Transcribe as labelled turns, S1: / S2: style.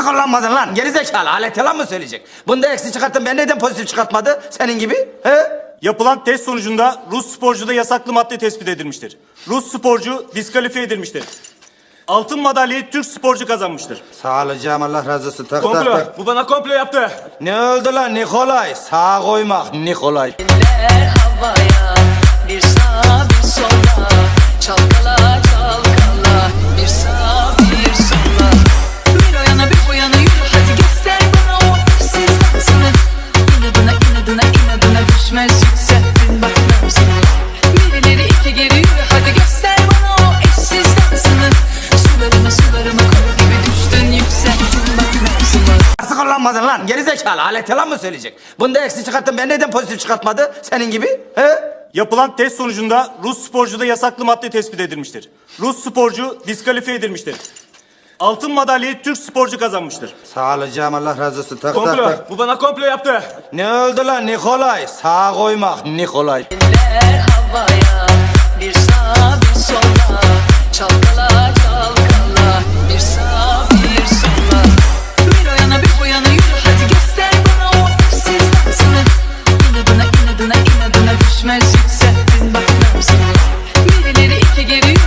S1: kullanmadın lan gerizekalı, alet yalan mı söyleyecek? Bunda eksi çıkarttın, ben neden pozitif çıkartmadı senin gibi? He?
S2: Yapılan test sonucunda Rus sporcuda yasaklı madde tespit edilmiştir. Rus sporcu diskalifiye edilmiştir. Altın madalyayı Türk sporcu kazanmıştır.
S1: Sağ olacağım, Allah razı olsun. Tak,
S2: Komplo.
S1: tak, tak.
S2: Bu bana komplo yaptı.
S1: Ne oldu lan Nikolay? Sağa koymak Nikolay.
S3: Eller havaya, bir sağa bir sola, çalkala çalkala, bir sağa bir sola. Bir o yana bir bu yana yürü, hadi göster bana o eşsiz dansını. İnadına inadına inadına düşmez yükselttin bak nabzını. Bir ileri iki geri yürü, hadi göster bana o eşsiz dansını. Sularıma kol gibi düştün yükselttin bak nabzını.
S1: Nasıl kullanmadın lan gerizekalı, alet yalan mı söyleyecek? Bunda eksi çıkarttın, ben neden pozitif çıkartmadı senin gibi? He?
S2: Yapılan test sonucunda Rus sporcuda yasaklı madde tespit edilmiştir. Rus sporcu diskalifiye edilmiştir. Altın madalyayı Türk sporcu kazanmıştır.
S1: Sağ olacağım, Allah razı olsun. Tak, tak,
S2: Komplo.
S1: tak.
S2: Bu bana komplo yaptı.
S1: Ne oldu lan Nikolay? Sağa koymak Nikolay.
S3: Eller havaya, bir sağa bir sola, çalkala çalkala, bir sağa bir sola. Bir o yana bir bu yana yürü, hadi göster bana o eşsiz dansını. İnadına inadına inadına düşmez yükselttin bak nabzını. Bir ileri iki geri yürü,